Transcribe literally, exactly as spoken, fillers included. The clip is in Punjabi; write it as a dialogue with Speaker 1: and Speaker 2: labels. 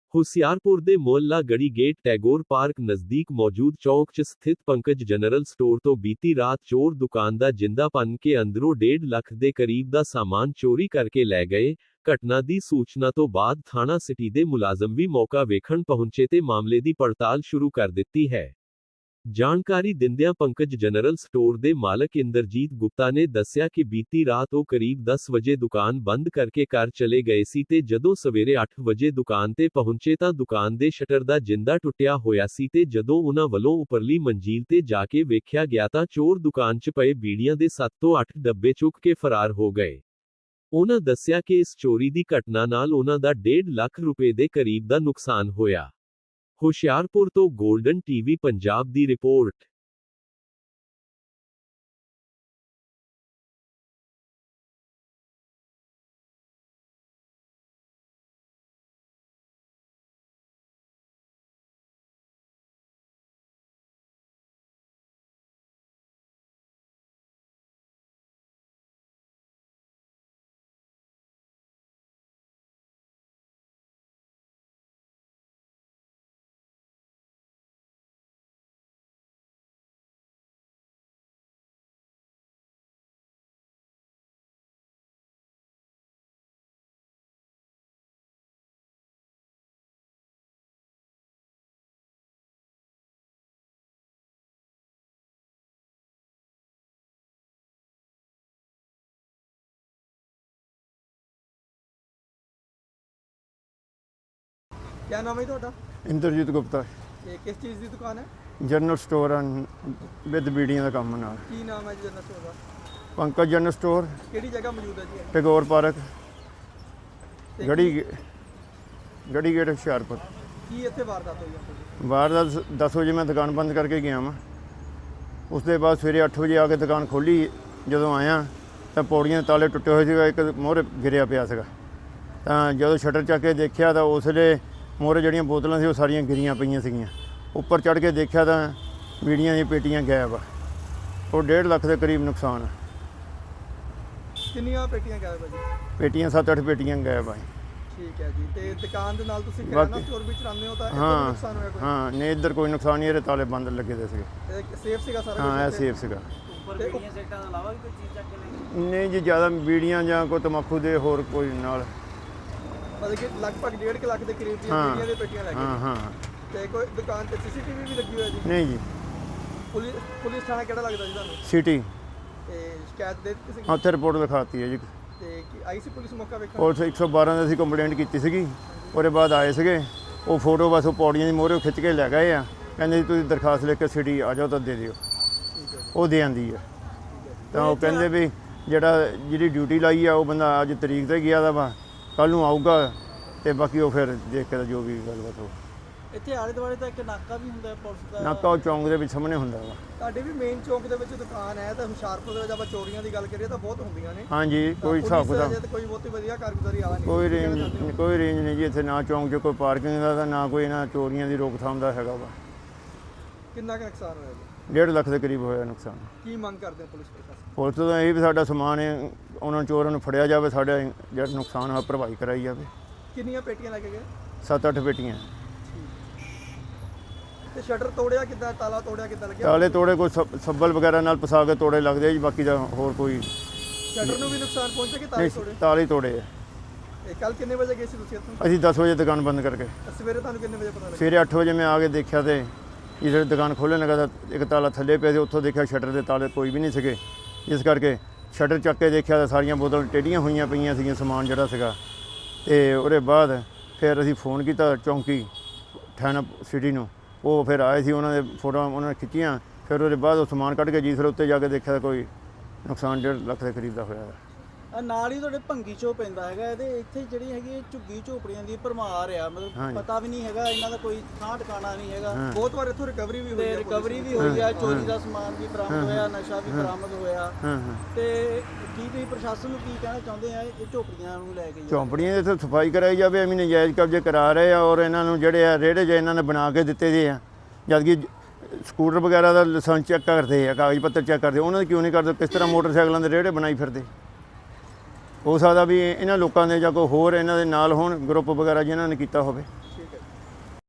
Speaker 1: ਹੁਸ਼ਿਆਰਪੁਰ ਦੇ ਮੁਹੱਲਾ ਗੜੀ ਗੇਟ ਟੈਗੋਰ ਪਾਰਕ ਨਜ਼ਦੀਕ ਮੌਜੂਦ ਚੌਕ 'ਚ ਸਥਿਤ ਪੰਕਜ ਜਨਰਲ ਸਟੋਰ ਤੋਂ ਬੀਤੀ ਰਾਤ ਚੋਰ ਦੁਕਾਨ ਦਾ ਜਿੰਦਾ ਭੰਨ ਕੇ ਅੰਦਰੋਂ ਡੇਢ ਲੱਖ ਦੇ ਕਰੀਬ ਦਾ ਸਾਮਾਨ ਚੋਰੀ ਕਰਕੇ ਲੈ ਗਏ। ਘਟਨਾ ਦੀ ਸੂਚਨਾ ਤੋਂ ਬਾਅਦ ਥਾਣਾ ਸਿਟੀ ਦੇ ਮੁਲਾਜ਼ਮ ਵੀ ਮੌਕਾ ਵੇਖਣ ਪਹੁੰਚੇ ਤੇ ਮਾਮਲੇ ਦੀ ਪੜਤਾਲ ਸ਼ੁਰੂ ਕਰ ਦਿੱਤੀ ਹੈ। ਜਾਣਕਾਰੀ ਦਿੰਦਿਆਂ ਪੰਕਜ ਜਨਰਲ ਸਟੋਰ ਦੇ ਮਾਲਕ ਇੰਦਰਜੀਤ ਗੁਪਤਾ ਨੇ ਦੱਸਿਆ ਕਿ ਬੀਤੀ ਰਾਤ ਉਹ ਕਰੀਬ ਦਸ ਵਜੇ ਦੁਕਾਨ ਬੰਦ ਕਰਕੇ ਘਰ ਚਲੇ ਗਏ ਸੀ ਤੇ ਜਦੋਂ ਸਵੇਰੇ ਅੱਠ ਵਜੇ ਦੁਕਾਨ ਤੇ ਪਹੁੰਚੇ ਤਾਂ ਦੁਕਾਨ ਦੇ ਸ਼ਟਰ ਦਾ ਜਿੰਦਾ ਟੁੱਟਿਆ ਹੋਇਆ ਸੀ ਤੇ ਜਦੋਂ ਉਹਨਾਂ ਵੱਲੋਂ ਉੱਪਰਲੀ ਮੰਜ਼ਿਲ ਤੇ ਜਾ ਕੇ ਵੇਖਿਆ ਗਿਆ ਤਾਂ ਚੋਰ ਦੁਕਾਨ 'ਚ ਪਏ ਬੀੜੀਆਂ ਦੇ ਸੱਤ ਤੋਂ ਅੱਠ ਡੱਬੇ ਚੁੱਕ ਕੇ ਫਰਾਰ ਹੋ ਗਏ। ਉਹਨਾਂ ਦੱਸਿਆ ਕਿ ਇਸ ਚੋਰੀ ਦੀ ਘਟਨਾ ਨਾਲ ਉਹਨਾਂ ਦਾ ਡੇਢ ਲੱਖ ਰੁਪਏ ਦੇ ਕਰੀਬ ਦਾ ਨੁਕਸਾਨ ਹੋਇਆ। ਹੁਸ਼ਿਆਰਪੁਰ ਤੋਂ ਗੋਲਡਨ ਟੀਵੀ ਪੰਜਾਬ ਦੀ ਰਿਪੋਰਟ।
Speaker 2: क्या नाम है ਤੁਹਾਡਾ?
Speaker 3: ਇੰਦਰਜੀਤ ਗੁਪਤਾ।
Speaker 2: ਇਹ ਕਿਸ ਚੀਜ਼ ਦੀ ਦੁਕਾਨ ਹੈ?
Speaker 3: ਜਨਰਲ ਸਟੋਰ ਐਂਡ ਵਿਦ ਬੀੜੀਆਂ ਦਾ ਕੰਮ ਨਾਲ।
Speaker 2: ਕੀ ਨਾਮ ਹੈ ਜੀ ਜਨਰਲ ਸਟੋਰ ਦਾ?
Speaker 3: ਪੰਕਜ ਜਨਰਲ ਸਟੋਰ,
Speaker 2: ਕਿਹੜੀ ਜਗ੍ਹਾ ਮੌਜੂਦ ਹੈ ਜੀ?
Speaker 3: ਟੈਗੋਰ ਪਾਰਕ,
Speaker 2: ਤੇ
Speaker 3: ਗੜੀ ਗੜੀ ਗੇਟ ਹੁਸ਼ਿਆਰਪੁਰ।
Speaker 2: ਕੀ ਇੱਥੇ ਵਾਰਦਾਤ ਹੋਈ ਹੈ?
Speaker 3: ਵਾਰਦਾਤ ਦਸ ਵਜੇ ਮੈਂ ਦੁਕਾਨ ਬੰਦ ਕਰਕੇ ਗਿਆ ਵਾਂ। ਉਸ ਦੇ ਬਾਅਦ ਸਵੇਰੇ ਅੱਠ ਵਜੇ ਆ ਕੇ ਦੁਕਾਨ ਖੋਲ੍ਹੀ। ਜਦੋਂ ਆਇਆ ਤਾਂ ਪੌੜੀਆਂ ਦੇ ਤਾਲੇ ਟੁੱਟੇ ਹੋਏ ਸੀਗਾ, ਇੱਕ ਮੋਹਰੇ ਗਿਰਿਆ ਪਿਆ ਸੀਗਾ। ਤਾਂ ਜਦੋਂ ਸ਼ਟਰ ਚੱਕ ਕੇ ਦੇਖਿਆ ਤਾਂ ਉਸ ਵੇਲੇ ਮੋਹਰੇ ਜਿਹੜੀਆਂ ਬੋਤਲਾਂ ਸੀ ਉਹ ਸਾਰੀਆਂ ਗਿਰੀਆਂ ਪਈਆਂ ਸੀਗੀਆਂ। ਉੱਪਰ ਚੜ੍ਹ ਕੇ ਦੇਖਿਆ ਤਾਂ ਬੀੜੀਆਂ ਦੀਆਂ ਪੇਟੀਆਂ ਗਾਇਬ ਆ। ਉਹ ਡੇਢ ਲੱਖ ਦੇ ਕਰੀਬ ਨੁਕਸਾਨ ਆ।
Speaker 2: ਕਿੰਨੀਆਂ ਪੇਟੀਆਂ ਗਾਇਬ ਹੈ ਜੀ?
Speaker 3: ਪੇਟੀਆਂ ਸੱਤ ਅੱਠ ਪੇਟੀਆਂ ਗਾਇਬ ਆ।
Speaker 2: ਠੀਕ ਹੈ ਜੀ। ਤੇ ਦੁਕਾਨ ਦੇ ਨਾਲ ਤੁਸੀਂ ਕਿਰਾਣਾ ਸਟੋਰ ਵੀ ਚਲਾਉਂਦੇ ਹੋ ਤਾਂ ਇੱਥੇ
Speaker 3: ਹਾਂ
Speaker 2: ਨੁਕਸਾਨ ਹੋਇਆ ਕੋਈ?
Speaker 3: ਹਾਂ ਨਹੀਂ, ਇੱਧਰ ਕੋਈ ਨੁਕਸਾਨ ਨਹੀਂ, ਇਹਦੇ ਤਾਲੇ ਬੰਦ ਲੱਗੇ ਦੇ ਸੀਗੇ।
Speaker 2: ਇਹ ਸੇਫ ਸੀਗਾ ਸਾਰਾ?
Speaker 3: ਹਾਂ ਇਹ ਸੇਫ ਸੀਗਾ।
Speaker 2: ਉੱਪਰ ਬੀੜੀਆਂ ਸੈਕਟਾਂ ਤੋਂ ਇਲਾਵਾ ਵੀ ਕੋਈ ਚੀਜ਼ ਚੱਕ ਕੇ ਨਹੀਂ?
Speaker 3: ਨਹੀਂ ਜੀ, ਜ਼ਿਆਦਾ ਬੀੜੀਆਂ ਜਾਂ ਕੋਈ ਤੰਬਾਕੂ ਦੇ ਹੋਰ ਕੋਈ ਨਾਲ।
Speaker 2: ਮਤਲਬ ਕਿ ਲਗਭਗ ਡੇਢ ਲੱਖ ਦੇ ਕਰੀਬ ਦੀਆਂ
Speaker 3: ਹਾਂ।
Speaker 2: ਬੀੜੀਆਂ ਦੀਆਂ ਪੇਟੀਆਂ ਲੈ ਗਏ।
Speaker 3: ਹਾਂ ਹਾਂ
Speaker 2: ਤੇ ਕੋਈ ਦੁਕਾਨ ਤੇ ਸੀਸੀਟੀਵੀ ਵੀ ਲੱਗੀ ਹੋਈ ਹੈ ਜੀ?
Speaker 3: ਨਹੀਂ ਜੀ।
Speaker 2: ਪੁਲਿਸ ਪੁਲਿਸ ਥਾਣਾ ਕਿਹੜਾ ਲੱਗਦਾ ਜੀ ਤੁਹਾਨੂੰ?
Speaker 3: ਸਿਟੀ।
Speaker 2: ਤੇ ਸ਼ਿਕਾਇਤ ਦੇ ਦਿੱਤੀ ਸੀ?
Speaker 3: ਉੱਥੇ ਰਿਪੋਰਟ ਲਿਖਾਤੀ ਹੈ ਜੀ।
Speaker 2: ਤੇ ਕੀ ਆਈ ਸੀ ਪੁਲਿਸ ਮੌਕਾ ਵੇਖਣ?
Speaker 3: ਪੁਲਿਸ ਇੱਕ ਸੌ ਬਾਰਾਂ ਦਾ ਅਸੀਂ ਕੰਪਲੇਂਟ ਕੀਤੀ ਸੀਗੀ। ਉਹਦੇ ਬਾਅਦ ਆਏ ਸੀਗੇ। ਉਹ ਫੋਟੋ ਬਸ ਉਹ ਪੌੜੀਆਂ ਦੀ ਮੋਹਰੇ ਖਿੱਚ ਕੇ ਲੈ ਗਏ ਆ। ਕਹਿੰਦੇ ਜੀ ਤੁਸੀਂ ਦਰਖਾਸਤ ਲੈ ਕੇ ਸਿਟੀ ਆ ਜਾਓ ਤਾਂ ਦੇ ਦਿਓ। ਉਹ ਦੇ ਆਂਦੀ ਹੈ। ਤਾਂ ਉਹ ਕਹਿੰਦੇ ਵੀ ਜਿਹੜਾ ਜਿਹੜੀ ਡਿਊਟੀ ਲਾਈ ਆ ਉਹ ਬੰਦਾ ਅੱਜ ਤਰੀਕ ਤੇ ਗਿਆ ਦਾ ਵਾ, ਕੱਲ੍ਹ ਨੂੰ ਆਊਗਾ ਤੇ ਬਾਕੀ ਉਹ ਫਿਰ ਦੇਖ ਕੇ ਜੋ ਵੀ ਗੱਲਬਾਤ ਹੋ।
Speaker 2: ਇੱਥੇ ਆਲੇ ਦੁਆਲੇ ਤਾਂ ਇੱਕ ਨਾਕਾ ਵੀ ਹੁੰਦਾ ਪੁਲਿਸ ਦਾ?
Speaker 3: ਨਾਕਾ ਉਹ ਚੌਂਕ ਦੇ ਵਿੱਚ ਸਾਹਮਣੇ ਹੁੰਦਾ ਵਾ।
Speaker 2: ਤੁਹਾਡੇ ਵੀ ਮੇਨ ਚੌਂਕ ਦੇ ਵਿੱਚ ਦੁਕਾਨ ਹੈ ਤਾਂ ਹੁਸ਼ਿਆਰਪੁਰ ਦੇ ਵਿੱਚ ਆਪਾਂ ਚੋਰੀਆਂ ਦੀ ਗੱਲ ਕਰੀਏ ਤਾਂ ਬਹੁਤ ਹੁੰਦੀਆਂ ਨੇ।
Speaker 3: ਹਾਂਜੀ, ਕੋਈ ਹਿਸਾਬ ਕਿਤਾਬ
Speaker 2: ਕੋਈ ਬਹੁਤੀ ਵਧੀਆ ਕਾਰਗੁਜ਼ਾਰੀ ਆਲਾ ਨਹੀਂ।
Speaker 3: ਕੋਈ ਰੇਂਜ ਕੋਈ ਰੇਂਜ ਨਹੀਂ ਜੀ ਇੱਥੇ, ਨਾ ਚੌਂਕ 'ਚ ਕੋਈ ਪਾਰਕਿੰਗ ਦਾ ਤਾਂ ਨਾ ਕੋਈ ਨਾ ਚੋਰੀਆਂ ਦੀ ਰੋਕਥਾਮ ਦਾ ਹੈਗਾ ਵਾ।
Speaker 2: ਕਿੰਨਾ ਕੁ ਨੁਕਸਾਨ ਹੋਇਆ ਜੀ?
Speaker 3: ਡੇਢ ਲੱਖ ਦੇ ਕਰੀਬ ਹੋਇਆ ਨੁਕਸਾਨ।
Speaker 2: ਕੀ ਮੰਗ ਕਰਦੇ ਹੋ ਪੁਲਿਸ ਪ੍ਰਸ਼ਾਸਨ?
Speaker 3: ਪੁਲਿਸ ਤੋਂ ਇਹ ਵੀ ਸਾਡਾ ਸਮਾਨ ਹੈ ਉਹਨਾਂ ਚੋਰਾਂ ਨੂੰ ਫੜਿਆ ਜਾਵੇ, ਸਾਡਾ ਜਿਹੜਾ ਨੁਕਸਾਨ ਹੋਇਆ ਭਰਵਾਈ ਕਰਾਈ ਜਾਵੇ।
Speaker 2: ਕਿੰਨੀਆਂ ਪੇਟੀਆਂ ਲੈ ਕੇ ਗਏ?
Speaker 3: ਸੱਤ ਅੱਠ ਪੇਟੀਆਂ।
Speaker 2: ਤੇ ਸ਼ਟਰ ਤੋੜਿਆ ਕਿੱਦਾਂ? ਤਾਲਾ ਤੋੜਿਆ ਕਿੱਦਾਂ ਲੱਗਿਆ?
Speaker 3: ਤਾਲੇ ਤੋੜੇ ਕੋਈ ਸੱਬ- ਸੱਬਲ ਵਗੈਰਾ ਨਾਲ ਪਸਾ ਕੇ ਤੋੜੇ ਲੱਗਦੇ ਆ ਜੀ, ਬਾਕੀ ਦਾ ਹੋਰ ਕੋਈ
Speaker 2: ਸ਼ਟਰ ਨੂੰ ਵੀ ਨੁਕਸਾਨ ਪਹੁੰਚਿਆ ਕਿ ਤਾਲੇ
Speaker 3: ਨਹੀਂ।
Speaker 2: ਤੋੜੇ?
Speaker 3: ਤਾਲੇ ਤੋੜੇ ਆ।
Speaker 2: ਇਹ ਕੱਲ ਕਿੰਨੇ ਵਜੇ ਗਏ ਸੀ ਤੁਸੀਂ ਇੱਥੋਂ?
Speaker 3: ਅਸੀਂ ਦਸ ਵਜੇ ਦੁਕਾਨ ਬੰਦ ਕਰਕੇ
Speaker 2: ਤਾਂ ਸਵੇਰੇ ਤੁਹਾਨੂੰ ਕਿੰਨੇ ਵਜੇ ਪਤਾ ਲੱਗਿਆ?
Speaker 3: ਸਵੇਰੇ ਅੱਠ ਵਜੇ ਮੈਂ ਆ ਕੇ ਦੇਖਿਆ ਤੇ ਜਿਹੜੇ ਦੁਕਾਨ ਖੋਲ੍ਹਣ ਲੱਗਾ ਤਾਂ ਇੱਕ ਤਾਲਾ ਥੱਲੇ ਪਿਆ ਸੀ। ਉੱਥੋਂ ਦੇਖਿਆ ਸ਼ਟਰ ਦੇ ਤਾਲੇ ਕੋਈ ਵੀ ਨਹੀਂ ਸੀਗੇ। ਇਸ ਕਰਕੇ ਸ਼ਟਰ ਚੱਕ ਕੇ ਦੇਖਿਆ ਤਾਂ ਸਾਰੀਆਂ ਬੋਤਲਾਂ ਟੇਢੀਆਂ ਹੋਈਆਂ ਪਈਆਂ ਸੀਗੀਆਂ, ਸਮਾਨ ਜਿਹੜਾ ਸੀਗਾ। ਤੇ ਉਹਦੇ ਬਾਅਦ ਫਿਰ ਅਸੀਂ ਫੋਨ ਕੀਤਾ ਚੌਂਕੀ ਥਾਣਾ ਸਿਟੀ ਨੂੰ। ਉਹ ਫਿਰ ਆਏ ਸੀ, ਉਹਨਾਂ ਦੇ ਫੋਟੋਆਂ ਉਹਨਾਂ ਨੇ ਖਿੱਚੀਆਂ। ਫਿਰ ਉਹਦੇ ਬਾਅਦ ਉਹ ਸਮਾਨ ਕੱਢ ਕੇ ਜੀ ਫਿਰ ਉੱਤੇ ਜਾ ਕੇ ਦੇਖਿਆ ਤਾਂ ਕੋਈ ਨੁਕਸਾਨ ਡੇਢ ਲੱਖ ਦੇ ਕਰੀਬ ਦਾ ਹੋਇਆ।
Speaker 2: ਨਾਲ ਹੀ ਤੁਹਾਡੇ ਭੰਗੀ ਚੋ ਪੈਂਦਾ ਹੈਗਾ ਇਹਦੇ ਇੱਥੇ ਜਿਹੜੀ ਹੈਗੀ ਝੁੱਗੀ ਝੋਪੜੀਆਂ ਦੀ ਭਰਮਾਰ ਆ, ਮਤਲਬ ਪਤਾ ਵੀ ਨਹੀਂ ਹੈਗਾ ਇਹਨਾਂ ਦਾ ਕੋਈ ਥਾਂ ਟਿਕਾਣਾ ਨਹੀਂ ਹੈਗਾ। ਬਹੁਤ ਵਾਰ ਇੱਥੋਂ ਰਿਕਵਰੀ ਵੀ ਹੋਈ ਹੈ। ਰਿਕਵਰੀ ਵੀ ਹੋਈ ਆ, ਚੋਰੀ ਦਾ ਸਮਾਨ ਵੀ ਬਰਾਮਦ ਹੋਇਆ, ਨਸ਼ਾ ਵੀ ਬਰਾਮਦ ਹੋਇਆ। ਤੇ ਕੀ ਤੁਸੀਂ ਪ੍ਰਸ਼ਾਸਨ ਨੂੰ ਕੀ ਕਹਿਣਾ ਚਾਹੁੰਦੇ ਆ ਇਹ ਝੋਪੜੀਆਂ ਨੂੰ ਲੈ ਕੇ?
Speaker 3: ਝੋਪੜੀਆਂ ਦੀ ਇੱਥੇ ਸਫਾਈ ਕਰਾਈ ਜਾਵੇ। ਐਵੇਂ ਨਜਾਇਜ਼ ਕਬਜ਼ੇ ਕਰਾ ਰਹੇ ਆ ਔਰ ਇਹਨਾਂ ਨੂੰ ਜਿਹੜੇ ਆ ਰੇੜੇ ਜਿਹੇ ਇਹਨਾਂ ਨੇ ਬਣਾ ਕੇ ਦਿੱਤੇ ਦੇ ਆ। ਜਦਕਿ ਸਕੂਟਰ ਵਗੈਰਾ ਦਾ ਲਾਇਸੈਂਸ ਚੈੱਕ ਕਰਦੇ ਆ, ਕਾਗਜ਼ ਪੱਤਰ ਚੈੱਕ ਕਰਦੇ, ਉਹਨਾਂ ਦੇ ਕਿਉਂ ਨਹੀਂ ਕਰਦੇ? ਕਿਸ ਤਰ੍ਹਾਂ ਮੋਟਰਸਾਈਕਲਾਂ ਦੇ ਰੇੜੇ ਬਣਾਈ ਫਿਰਦੇ? ਹੋ ਸਕਦਾ ਵੀ ਇਹਨਾਂ ਲੋਕਾਂ ਦੇ ਜਾਂ ਕੋਈ ਹੋਰ ਇਹਨਾਂ ਦੇ ਨਾਲ ਹੋਣ ਗਰੁੱਪ ਵਗੈਰਾ ਜਿਨ੍ਹਾਂ ਨੇ ਕੀਤਾ ਹੋਵੇ।